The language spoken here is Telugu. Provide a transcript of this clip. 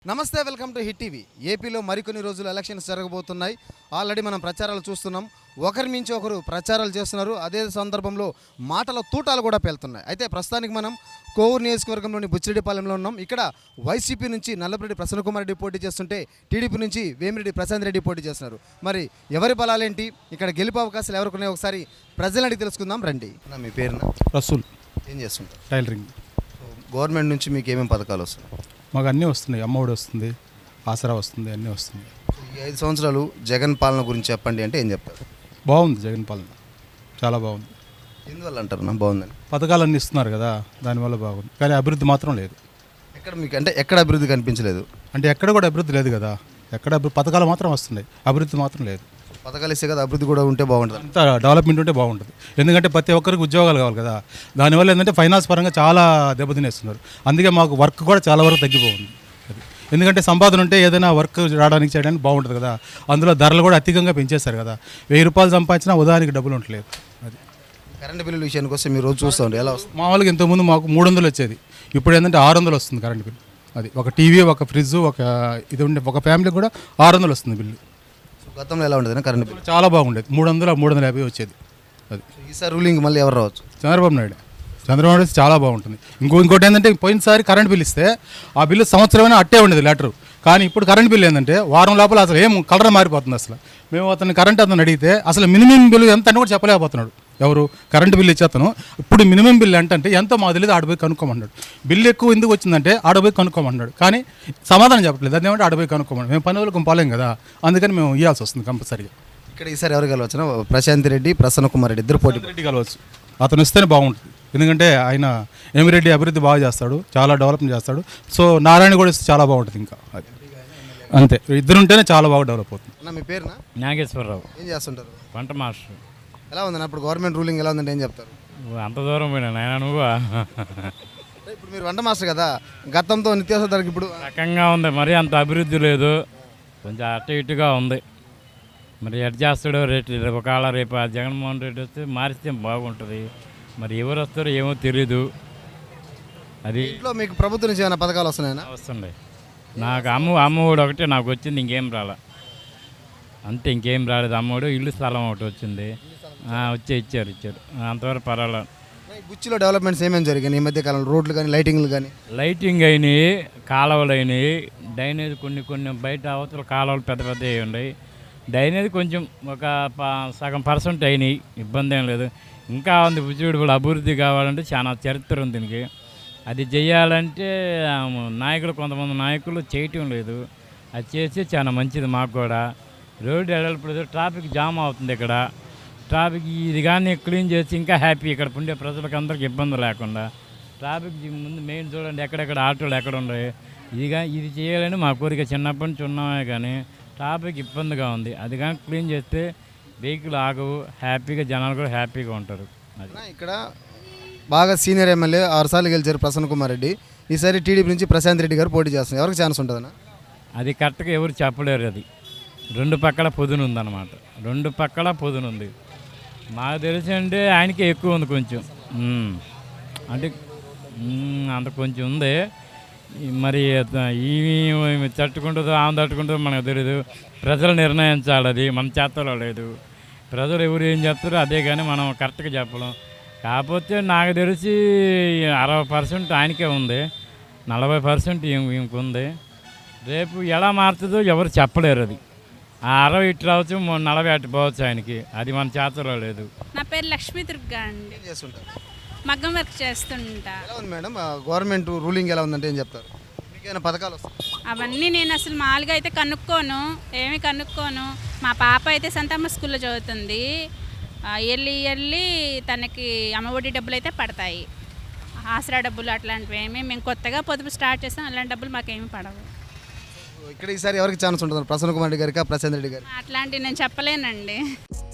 నమస్తే, వెల్కమ్ టు హిట్ టీవీ. ఏపీలో మరికొన్ని రోజులు ఎలక్షన్స్ జరగబోతున్నాయి. ఆల్రెడీ మనం ప్రచారాలు చూస్తున్నాం. ఒకరి మించి ఒకరు ప్రచారాలు చేస్తున్నారు. అదే సందర్భంలో మాటల తూటాలు కూడా పేలుతున్నాయి. అయితే ప్రస్తుతానికి మనం కోవూరు నియోజకవర్గంలోని బుచ్చిరెడ్డిపాలెంలో ఉన్నాం. ఇక్కడ వైసీపీ నుంచి నల్లపురెడ్డి ప్రసన్నకుమార్ రెడ్డి పోటీ చేస్తుంటే టీడీపీ నుంచి వేమిరెడ్డి ప్రశాంత్ రెడ్డి పోటీ చేస్తున్నారు. మరి ఎవరి బలాలేంటి, ఇక్కడ గెలుపు అవకాశాలు ఎవరికి ఉన్నాయో ఒకసారి ప్రజలను అడిగి తెలుసుకుందాం రండి. మీ పేరున? రసూల్. ఏం చేస్తుంటారు? టైలరింగ్. గవర్నమెంట్ నుంచి మీకు ఏమేమి పథకాలు వస్తున్నాయి? మాకు అన్నీ వస్తున్నాయి. అమ్మఒడి వస్తుంది, ఆసరా వస్తుంది, అన్నీ వస్తుంది. ఈ 5 సంవత్సరాలు జగన్ పాలన గురించి చెప్పండి అంటే ఏం చెప్తారు? బాగుంది జగన్ పాలన, చాలా బాగుంది. ఎందువల్ల అంటారు నా బాగుందని? పథకాలన్నీ ఇస్తున్నారు కదా, దానివల్ల బాగుంది. కానీ అభివృద్ధి మాత్రం లేదు. ఎక్కడ మీకు అంటే ఎక్కడ అభివృద్ధి కనిపించలేదు? అంటే ఎక్కడ కూడా అభివృద్ధి లేదు కదా. ఎక్కడ పథకాలు మాత్రం వస్తున్నాయి, అభివృద్ధి మాత్రం లేదు. పథకాలు ఇస్తే కదా అభివృద్ధి కూడా ఉంటే బాగుంటుంది. అంతా డెవలప్మెంట్ ఉంటే బాగుంటుంది. ఎందుకంటే ప్రతి ఒక్కరికి ఉద్యోగాలు కావాలి కదా. దానివల్ల ఏంటంటే ఫైనాన్స్ పరంగా చాలా దెబ్బతినేస్తున్నారు. అందుకే మాకు వర్క్ కూడా చాలా వరకు తగ్గిపోతుంది. అది ఎందుకంటే సంపాదన ఉంటే ఏదైనా వర్క్ రావడానికి చేయడానికి బాగుంటుంది కదా. అందులో ధరలు కూడా అధికంగా పెంచేస్తారు కదా. 1000 రూపాయలు సంపాదించినా ఉదాహరణకి డబ్బులు ఉండట్లేదు. అది కరెంటు బిల్లుల విషయానికి వస్తే మీరు రోజు చూస్తూ ఉంటే ఎలా వస్తుంది? మామూలుగా ఇంతకుముందు మాకు 300 వచ్చేది, ఇప్పుడు ఏంటంటే 600 వస్తుంది కరెంటు బిల్లు. అది ఒక టీవీ, ఒక ఫ్రిడ్జ్, ఇది ఉండే ఒక ఫ్యామిలీకి కూడా 600 వస్తుంది బిల్లు. గతంలో ఎలా ఉండేది కరెంటు బిల్లు? చాలా బాగుండేది. 300, 350 వచ్చేది. అది ఈసారి రూలింగ్ మళ్ళీ ఎవరు రావచ్చు? చంద్రబాబు నాయుడు చాలా బాగుంటుంది. ఇంకోటి ఏంటంటే పోయినసారి కరెంట్ బిల్ ఇస్తే ఆ బిల్లు సంవత్సరమైనా అట్టే ఉండేది లెటరు. కానీ ఇప్పుడు కరెంట్ బిల్ ఏంటంటే వారం లోపల అసలు ఏం కలర్ మారిపోతుంది. అసలు మేము అతను అడిగితే అసలు మినిమం బిల్లు ఎంత అని కూడా చెప్పలేకపోతున్నాడు. ఎవరు కరెంటు బిల్లు ఇచ్చేతను ఇప్పుడు మినిమం బిల్లు అంటే ఎంతో మాకు తెలియదు, ఆడపోయి కనుక్కోమన్నాడు. బిల్లు ఎక్కువ ఎందుకు వచ్చిందంటే ఆడపోయి కనుక్కోమన్నాడు. కానీ సమాధానం చెప్పట్లేదు. అదేమంటే ఆడపోయి కనుక్కోమన్నాడు. మేము పని వాళ్ళకి పోలేం కదా, అందుకని మేము ఇవ్వాల్సి వస్తుంది కంపల్సరీగా. ఇక్కడ ఈసారి ఎవరు కలవచ్చు? ప్రశాంత్ రెడ్డి, ప్రసన్నకుమార్ రెడ్డి ఇద్దరు పోటీ. రెడ్డి కలవచ్చు. అతను ఇస్తేనే బాగుంటుంది. ఎందుకంటే ఆయన వేమిరెడ్డి అభివృద్ధి బాగా చేస్తాడు, చాలా డెవలప్మెంట్ చేస్తాడు. సో నారాయణ కూడా ఇస్తే చాలా బాగుంటుంది. ఇంకా అది అంతే, ఇద్దరుంటేనే చాలా బాగా డెవలప్ అవుతుంది. అన్న మీ పేరునా? నాగేశ్వరరావు. ఏం చేస్తుంటారు? వంట మాస్టర్. ఎలా ఉందన్న ఇప్పుడు గవర్నమెంట్ రూలింగ్ ఎలా ఉందంటే ఏం చెప్తారు? అంత దూరం పోయినా నాయన నువ్వు. ఇప్పుడు మీరు వంట మాస్టర్ కదా, గతంతో నిత్యావసర ధరకు ఇప్పుడు రకంగా ఉంది. మరి అంత అభివృద్ధి లేదు, కొంచెం అటు ఇటుగా ఉంది. మరి ఎట్ చేస్తాడో రేటు ఒకవేళ రేపు ఆ జగన్మోహన్ రెడ్డి వస్తే మారిస్తే బాగుంటుంది. మరి ఎవరు వస్తారో ఏమో తెలీదు. అది ఇంట్లో మీకు ప్రభుత్వం నుంచి ఏమైనా పథకాలు వస్తున్నాయన్నా? వస్తుండే. నాకు అమ్మఒడు ఒకటే నాకు వచ్చింది, ఇంకేం రాలే. అంతే, ఇంకేం రాలేదు. అమ్మఒడు, ఇల్లు స్థలం ఒకటి వచ్చింది. ఇచ్చారు అంతవరకు పర్వాలేదు. బుచ్చిలో డెవలప్మెంట్స్ ఏమేమి జరిగాయి ఈ మధ్య కాలంలో? రోడ్లు కానీ లైటింగ్లు కానీ? లైటింగ్ అయినాయి, కాలువలు అయినాయి. డ్రైనేజ్ కొన్ని బయట అవతల కాలువలు పెద్ద పెద్దవి ఉన్నాయి. డ్రైనేజ్ కొంచెం ఒక సగం % అయినాయి, ఇబ్బంది ఏం లేదు. ఇంకా ఉంది బుచ్చిరెడ్డిపాలెం అభివృద్ధి కావాలంటే చాలా చరిత్ర ఉంది దీనికి. అది చేయాలంటే కొంతమంది నాయకులు చేయటం లేదు. అది చేస్తే చాలా మంచిది మాకు కూడా. రోడ్డు ఎడల్పలేదు, ట్రాఫిక్ జామ్ అవుతుంది. ఇక్కడ ట్రాఫిక్ ఇది కానీ క్లీన్ చేసి ఇంకా హ్యాపీ. ఇక్కడ ఉండే ప్రజలకు అందరికి ఇబ్బంది లేకుండా ట్రాఫిక్ ముందు మెయిన్ చూడండి, ఎక్కడెక్కడ ఆటోలు ఎక్కడ ఉన్నాయి. ఇది చేయాలని మా కోరిక చిన్నప్పటి నుంచి ఉన్నామే. కానీ ట్రాఫిక్ ఇబ్బందిగా ఉంది. అది కానీ క్లీన్ చేస్తే వెహికల్ ఆగవు, హ్యాపీగా జనాలు కూడా హ్యాపీగా ఉంటారు. అది ఇక్కడ బాగా సీనియర్ ఎమ్మెల్యే 6 సార్లు గెలిచారు ప్రసన్నకుమార్ రెడ్డి. ఈసారి టీడీపీ నుంచి ప్రశాంత్ రెడ్డి గారు పోటీ చేస్తున్నారు. ఎవరికి ఛాన్స్ ఉంటుందన్నా? అది కరెక్ట్గా ఎవరు చెప్పలేరు. అది 2 పక్కల పొదును ఉందన్నమాట. 2 పక్కల పొదును ఉంది. మాకు తెలిసి అంటే ఆయనకే ఎక్కువ ఉంది కొంచెం. అంటే అంత కొంచెం ఉంది. మరి ఈమె తట్టుకుంటుందో ఆమె తట్టుకుంటుందో మనకు తెలియదు. ప్రజలు నిర్ణయించాలి, అది మన చేతలో లేదు. ప్రజలు ఎవరు ఏం చెప్తారో అదే, కానీ మనం కరెక్ట్గా చెప్పలేం. కాకపోతే నాకు తెలిసి 60% ఆయనకే ఉంది, 40% ఈమెకు ఉంది. రేపు ఎలా మారుతుందో ఎవరు చెప్పలేరు. అది 60 ఇటు రావచ్చు, 40 అటు పోవచ్చు ఆయనకి. అది మన చేతలో లేదు. నా పేరు లక్ష్మీ దుర్గా అండి. మగ్గం వర్క్ చేస్తుంటా. ఎలా ఉంది మేడం గవర్నమెంట్ రూలింగ్ ఎలా ఉందంటే ఏం చెప్తారు? మీకేమైనా పథకాలు వస్తాయి? అవన్నీ నేను అసలు మామూలుగా అయితే కనుక్కోను. మా పాప అయితే సంతమ్మ స్కూల్లో చదువుతుంది. ఇయర్లీ తనకి అమ్మఒడి డబ్బులు అయితే పడతాయి. ఆసరా డబ్బులు అట్లాంటివి మేము కొత్తగా పొదుపు స్టార్ట్ చేస్తాం. అలాంటి డబ్బులు మాకేమీ పడవు. ఇక్కడ ఈసారి ఎవరికి ఛాన్స్ ఉంటుంది? ప్రసన్నకుమార్ రెడ్డి గారికి, ప్రశాంత్ రెడ్డి గారికి? అట్లాంటివి నేను చెప్పలేనండి.